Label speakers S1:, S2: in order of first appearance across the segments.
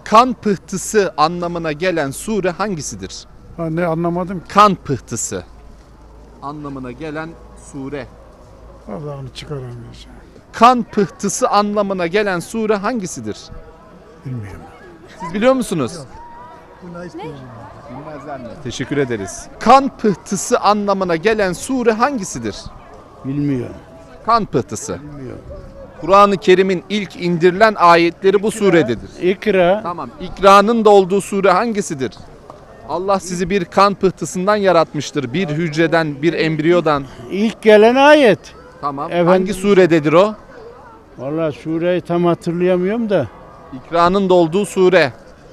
S1: Kan pıhtısı anlamına gelen sure hangisidir?
S2: Ha, ne anlamadım ki.
S1: Kan pıhtısı anlamına gelen sure.
S2: Allah'ını çıkaramayacağım.
S1: Kan pıhtısı anlamına gelen sure hangisidir?
S2: Bilmiyorum.
S1: Siz biliyor musunuz? Bilmezler mi? Teşekkür ederiz. Kan pıhtısı anlamına gelen sure hangisidir?
S2: Bilmiyorum.
S1: Kan pıhtısı.
S2: Bilmiyorum.
S1: Kur'an-ı Kerim'in ilk indirilen ayetleri bu surededir.
S2: İkra.
S1: Tamam. İkra'nın da olduğu sure hangisidir? Allah sizi bir kan pıhtısından yaratmıştır. Bir hücreden, bir embriyodan.
S2: İlk gelen ayet.
S1: Tamam.
S2: Efendim?
S1: Hangi surededir o?
S2: Vallahi sureyi tam hatırlayamıyorum da.
S1: İkra'nın da olduğu sure.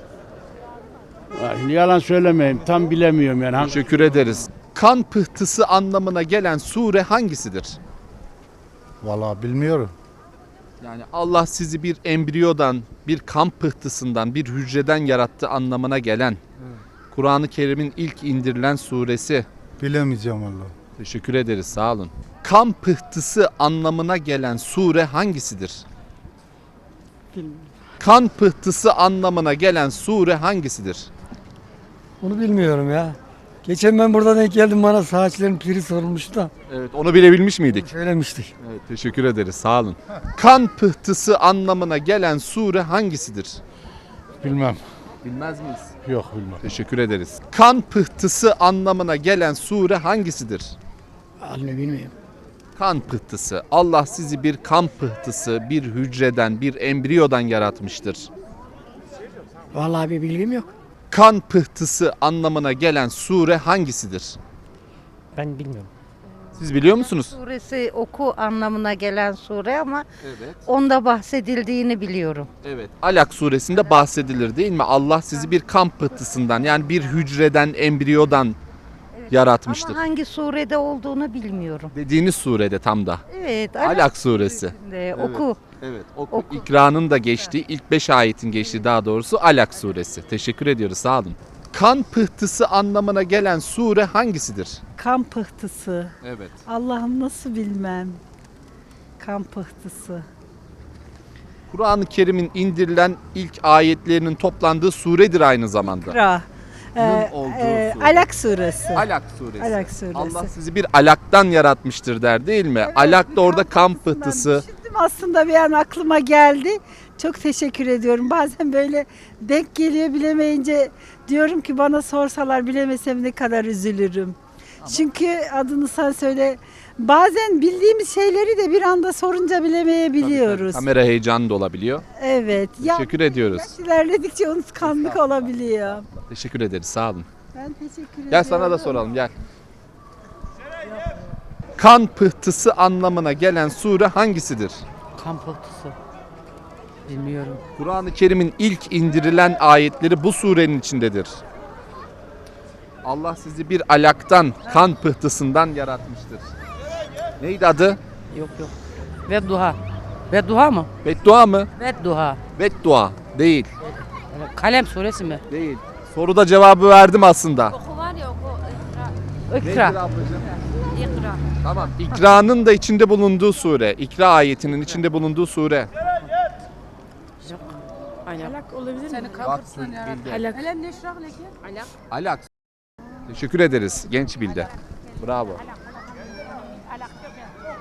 S2: Yalan söylemeyeyim. Tam bilemiyorum yani.
S1: Teşekkür ederiz. Kan pıhtısı anlamına gelen sure hangisidir?
S3: Vallahi bilmiyorum.
S1: Yani Allah sizi bir embriyodan, bir kan pıhtısından, bir hücreden yarattı anlamına gelen Kur'an-ı Kerim'in ilk indirilen suresi.
S3: Bilemeyeceğim vallahi.
S1: Teşekkür ederiz, sağ olun. Kan pıhtısı anlamına gelen sure hangisidir? Kan pıhtısı anlamına gelen sure hangisidir?
S4: Onu bilmiyorum ya. Geçen ben burada denk geldim, bana saatlerin piri sorulmuştu da
S1: Evet, onu bilebilmiş miydik?
S4: söylemiştik.
S1: Evet, teşekkür ederiz, sağ olun. Kan pıhtısı anlamına gelen sure hangisidir?
S2: Bilmem.
S1: Bilmez miyiz?
S2: Yok bilmem.
S1: Teşekkür ederiz. Kan pıhtısı anlamına gelen sure hangisidir?
S4: Anne bilmiyorum.
S1: Kan pıhtısı. Allah sizi bir kan pıhtısı, bir hücreden, bir embriyodan yaratmıştır.
S4: Vallahi bir bilgim yok.
S1: Kan pıhtısı anlamına gelen sure hangisidir?
S5: Ben bilmiyorum.
S1: Siz biliyor musunuz?
S6: Suresi oku anlamına gelen sure ama
S1: Evet.
S6: onda bahsedildiğini biliyorum.
S1: Evet. Alak suresinde bahsedilir değil mi? Allah sizi bir kan pıhtısından, yani bir hücreden, embriyodan yaratmıştır.
S6: Ama hangi surede olduğunu bilmiyorum.
S1: Dediğiniz surede tam da.
S6: Evet.
S1: Alak suresi.
S6: suresinde oku.
S1: Evet.
S6: Oku.
S1: İkra'nın da geçtiği, ilk 5 ayetin geçtiği daha doğrusu Alak suresi. Teşekkür ediyoruz, sağ olun. Kan pıhtısı anlamına gelen sure hangisidir?
S7: Kan pıhtısı.
S1: Evet.
S7: Allah'ım nasıl bilmem. Kan pıhtısı.
S1: Kur'an-ı Kerim'in indirilen ilk ayetlerinin toplandığı suredir aynı zamanda.
S7: Ra.
S1: olduğu sure.
S7: Alak suresi.
S1: Alak suresi.
S7: Alak suresi.
S1: Allah sizi bir alaktan yaratmıştır der değil mi? Alak da orada kan pıhtısı.
S7: Düşündüm aslında, bir an aklıma geldi. Çok teşekkür ediyorum. Bazen böyle denk geliyor, bilemeyince diyorum ki bana sorsalar bilemesem ne kadar üzülürüm. Çünkü adını sen söyle. Bazen bildiğimiz şeyleri de bir anda sorunca bilemeyebiliyoruz.
S1: Kamera heyecanı da olabiliyor.
S7: Evet.
S1: Teşekkür ediyoruz.
S7: Yaş ilerledikçe unutkanlık olabiliyor.
S1: Teşekkür ederiz, sağ olun.
S7: Ben teşekkür ederim.
S1: Gel sana da soralım, gel. Kan pıhtısı anlamına gelen sure hangisidir?
S5: Kan pıhtısı. Bilmiyorum.
S1: Kur'an-ı Kerim'in ilk indirilen ayetleri bu surenin içindedir. Allah sizi bir alaktan, kan pıhtısından yaratmıştır. Neydi adı?
S5: Yok. Vedduha. Vedduha mı?
S1: Beddua mı?
S5: Vedduha.
S1: Beddua. Değil.
S5: Kalem suresi mi?
S1: Değil. Soruda cevabı verdim aslında.
S5: Oku var ya oku.
S1: Nedir
S5: İkra.
S1: ablacığım?
S5: İkra.
S1: Tamam. İkra'nın da içinde bulunduğu sure. İkra ayetinin içinde bulunduğu sure.
S5: Aynen.
S8: Alak olabilir mi?
S1: Bak, bildi.
S8: Alak. Alak neşrah leke?
S1: Alak. Teşekkür ederiz. Genç bildi. Bravo.